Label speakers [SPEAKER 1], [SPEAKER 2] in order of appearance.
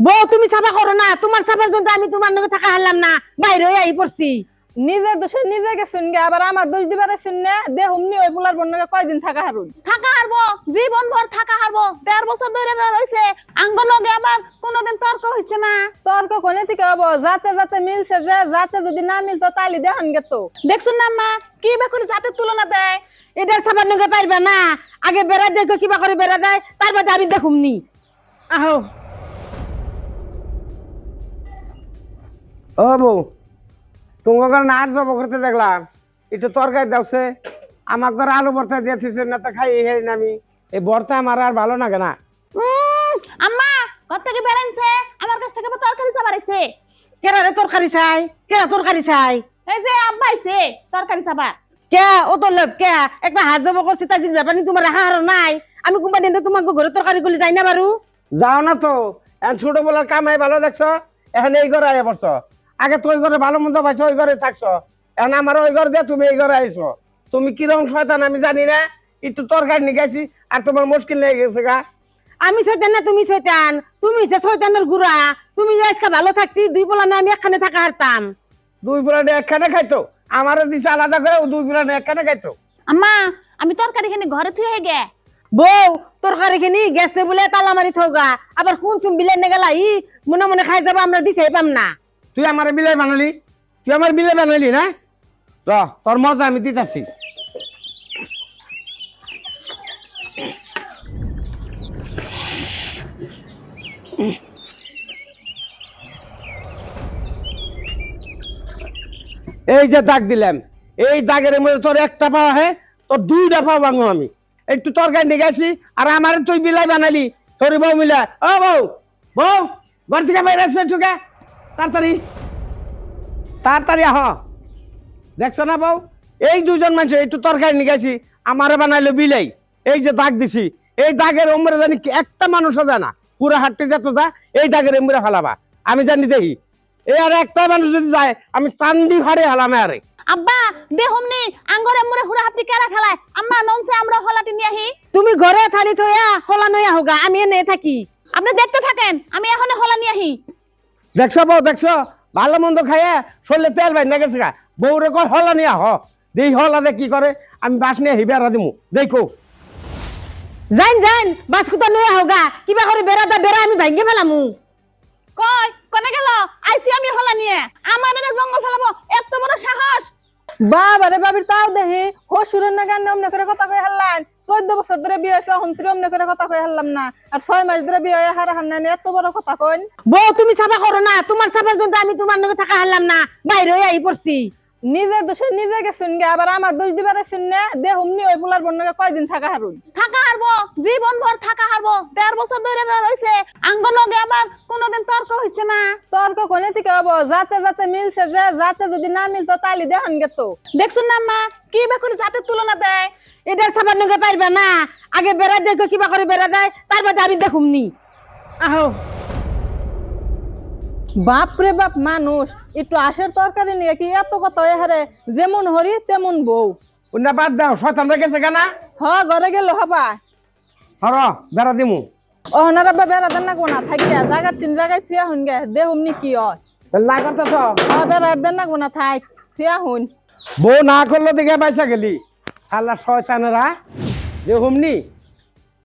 [SPEAKER 1] বউ তুমি সাফা করো না, তোমার সাফার জন্য আমি তোমার লগে থাকা হারলাম না, বাইরে হয়ে আই পড়ছি।
[SPEAKER 2] নিজের দোষে নিজে গেছেন গে, আবার আমার দোষ দিবার আছেন না। দেহুমনি ওই পোলার বন্যকে কয়দিন থাকা হারুন?
[SPEAKER 3] থাকা হারবো, জীবন ভর থাকা হারবো। ১.৫ বছর ধরে রইছে আঙ্গ লগে, আমার কোনোদিন তর্ক হইছে না।
[SPEAKER 2] তর্ক কোনে থেকে হবো? যাতে যাতে মিলছে, যে যাতে যদি না মিলতো তাইলে দেখান গেত।
[SPEAKER 3] দেখছুন না মা, কি বা করে জাতের তুলনা দেয়।
[SPEAKER 1] এটা সাফার লগে পারবে না, আগে বেড়া দেখো কিবা করে বেড়া দেয়, তারপর আমি দেখুমনি। আহো
[SPEAKER 4] ও বউ, তোমাকে নাচ জব করতে দেখলাম, একটু তরকারি দাওছে। আমার ঘরে আলু ভর্তা দিয়েছিস না, তো খাই হেরি আমি। এই ভর্তা আমার আর ভালো লাগে না।
[SPEAKER 3] আম্মা ঘর থেকে বেড়াইছে, আমার কাছ থেকে তরকারি চাবাইছে।
[SPEAKER 1] কেরা রে তরকারি চাই, কেরা তরকারি চাই?
[SPEAKER 3] এই যে আব্বা আইছে তরকারি চাবা।
[SPEAKER 1] কে ও তো লোক কে একটা হাত জব করছি, তাই ব্যাপার তোমার হার নাই। আমি কোনবা দিন তোমাকে ঘরে তরকারি গুলি যাই না বারু।
[SPEAKER 4] যাও না তো, এখন ছোট বেলার কামাই ভালো দেখছো, এখন এই ঘরে আইয়া পড়ছো। আগে তো ওই ঘরে ভালো মন্দ পাইছো, ওই ঘরে থাকছো। এখন আমার ওই ঘর দিয়ে তুমি এই ঘরে আইছো। তুমি কিরকম শয়তান আমি জানি না। একটু তরকারি নিয়ে গেছি আর তোমার মুশকিল লেগে গেছে গা।
[SPEAKER 1] আমি শয়তান না তুমি শয়তান? তুমি যে শয়তানের গুড়া। তুমি যে আজকে ভালো থাকতি, দুই পোলা না আমি একখানে থাকা হারতাম।
[SPEAKER 4] দুই পুরানে একখানে খাইতো, আমারও দিছে আলাদা করে, ও দুই পুরানে একখানে খাইতো।
[SPEAKER 3] আম্মা আমি তরকারি খানি ঘরে থুয়ে গে।
[SPEAKER 1] বউ তরকারি খিনি গেছে বলে তালা মারি থৌগা, আবার কোন চুম বিলে নে গেলা ই মনে মনে খাই যাবো, আমরা দিছে পাম না।
[SPEAKER 4] তুই আমার বিলাই বানালি, তুই আমার বিলাই বানালি না। র তোর মজা আমি দিতেছি। এই যে দাগ দিলাম, এই দাগের মধ্যে তোর একটা পাওয়া হয়, তোর দুইটা পাওয়া ভাঙো আমি। একটু তরকারি নিয়ে গেছি আর আমার তুই বিলাই বানালি। তোর বউ মিলা, ও বউ, বউ ঘর থেকে বাইরে আসছে, ঠুকে তাড়াতাড়ি তাড়াতাড়ি আহ। দেখছো না বউ, এই দুজন মানুষ একটু তরকারি নিয়ে গেছি, আমারে বানাইলো বিলাই। এই যে দাগ দিছি, এই দাগের ওমরে জানি একটা মানুষও যায় না, পুরো হাঁটতে যেত যা, এই দাগের ওমরে ফালাবা আমি জানি দেখি। এই আর একটা মানুষ যদি যায় আমি চান্দি ফাড়ে হালামে আরে।
[SPEAKER 3] আব্বা দেহমনি আঙ্গরে মুরে হুরা হাতি কেরা খেলায়। আম্মা নমসে আমরা হলাটি নিয়ে আহি।
[SPEAKER 1] তুমি ঘরে থালি থইয়া হলা নইয়া হোগা, আমি এনে থাকি।
[SPEAKER 3] আপনি দেখতে থাকেন, আমি এখন হলা নিয়ে আহি।
[SPEAKER 4] দেখছো বউ, দেখছো ভালো মন্দ খাইয়া শরীরে তেল বাইন না গেছে গা। বউরে কয় হলা নিয়া হ, দেই হলা দে কি করে, আমি বাস নিয়ে হি বেড়া দিমু দেখো।
[SPEAKER 1] যাইন যাইন বাসকুতা নইয়া হোগা, কিবা করে বেড়া দা বেড়া আমি ভাঙ্গে ফেলামু।
[SPEAKER 3] কই কোনে গেল? আইছি আমি হলা নিয়ে। আমার এনে জঙ্গল ফেলাবো, এত বড় সাহস!
[SPEAKER 2] বাবারে বাবির তাও দেখি হসুরের না গান অমনে করে কথা কই হারলাম। 14 বছর ধরে বিয়ে হয়েছে, হন্ত্রী অমনে করে কথা কই হারলাম না। আর 6 মাস ধরে বিয়ে হয়ে হারা হান্নানি এত বড় কথা কইন।
[SPEAKER 1] বউ তুমি সাফা করো না, তোমার সাফার জন্য আমি তোমার লগে থাকা হারলাম না, বাইরে হয়ে আই পড়ছি।
[SPEAKER 2] নিজের দোষে নিজে গেছেন গে, আবার আমার দোষ দিবার আছেন না। দেহুমনি ওই পোলার বন্যকে কয়দিন থাকা হারুন?
[SPEAKER 3] থাকা হারবো, জীবন ভর থাকা হারবো। ১.৫ বছর ধরে রইছে আঙ্গ লগে, আমার কোনোদিন তর্ক হইছে না।
[SPEAKER 2] তর্ক কোনে থেকে হবো? যাতে যাতে মিলছে, যে যাতে যদি না মিলতো তাইলে দেখান গেত।
[SPEAKER 3] দেখছুন না মা, কি বা করে জাতের তুলনা দেয়।
[SPEAKER 1] এটা সাফার লগে পারবে না, আগে বেড়া দেখো কিবা করে বেড়া দেয়, তারপর আমি দেখুমনি। আহো
[SPEAKER 2] বাপরে বাপ, মানুষ একটু আশের তরকারি নিয়ে কি এত কথা হয়ে হারে? যেমন হরি তেমন বউ।
[SPEAKER 4] অন্য বাদ দাও, শয়তান রে গেছে কেনা।
[SPEAKER 2] হ ঘরে গেল হবা।
[SPEAKER 4] হর বেড়া দিমু।
[SPEAKER 2] ওনারা বেড়া দেন না কোনা থাকিয়া জায়গার 3 জায়গায় থিয়া হুন গে, দেহুমনি কি হয়?
[SPEAKER 4] না করতেছ
[SPEAKER 2] বেড়া দেন না কোনা থাক থিয়া হুন।
[SPEAKER 4] বউ না করলো দেখে পয়সা গেলি। আল্লাহ শয়তানেরা যে হুমনি